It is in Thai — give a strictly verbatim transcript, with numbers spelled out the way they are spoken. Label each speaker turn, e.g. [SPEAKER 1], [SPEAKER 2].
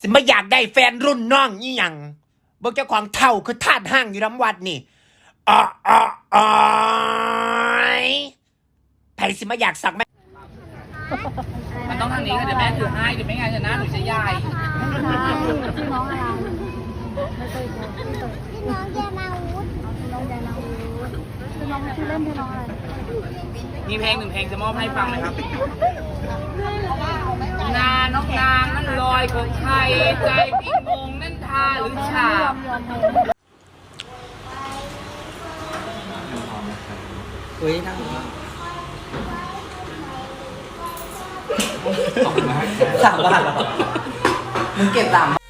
[SPEAKER 1] สิไม่อยากได้แฟนรุ่นน้องนี่ยังเบิกเจ้าของเท่าคือทาสห้างอยู่น้ำวัดนี่อ๋ออ๋ออ๋อไผ่สิมาอยากสักไหม
[SPEAKER 2] มันต้องทางนี้ค่ะเดี๋ยวแม่ถือให้เดี๋ยวไม่งั้นจะหน้าหนูจะใหญ่
[SPEAKER 3] ชื่อน้องอะไรไม่เคยเจอชื่อน้องแยนาวุฒิชื่อน้องแยนาวุฒิชื่อน้องชื่อเล่นชื่อน้องอะไร
[SPEAKER 2] มีเพลงหนึ่งเพลงจะมอบให้ฟังไหมครับนาน้องนางนั่นลอยของใครใจพี่งงนั่นทาหรือฉาบ
[SPEAKER 4] เฮ้ยนั่งสามบาทเหรอมึงเก็บสาม